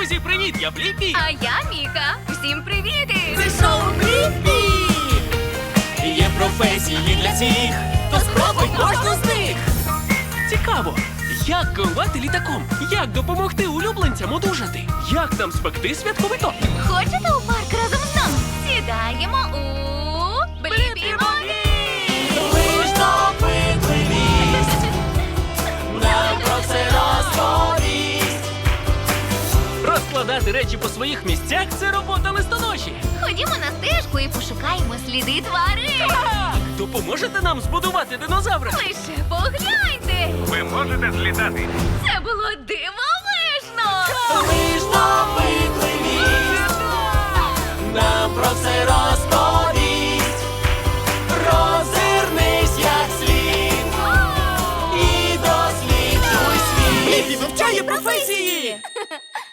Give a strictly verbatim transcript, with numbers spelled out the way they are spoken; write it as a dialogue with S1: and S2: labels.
S1: Друзі, привіт! Я Бліпі!
S2: А я Міка. Всім привіти!
S1: Це шоу Бліпі! Є професії для всіх, то спробуй кожну з них! Цікаво, як керувати літаком? Як допомогти улюбленцям одужати? Як нам спекти святковий торт?
S2: Хочете у парк разом з нами? Сідаємо у Бліпі-мові!
S1: Ви ж допитливі, нам про все розповість. Розкладати речі по своїх місцях – це робота листоноші.
S2: Ходімо на стежку і пошукаємо сліди тварин.
S1: Так! Допоможете нам збудувати динозавра?
S2: Лише погляньте!
S3: Ви можете злітати.
S2: Це було дивовижно!
S1: Ви ж допитливі, нам про все розповість. Роззирнись як слід і досліджуй світ. Бліпі вивчає професії!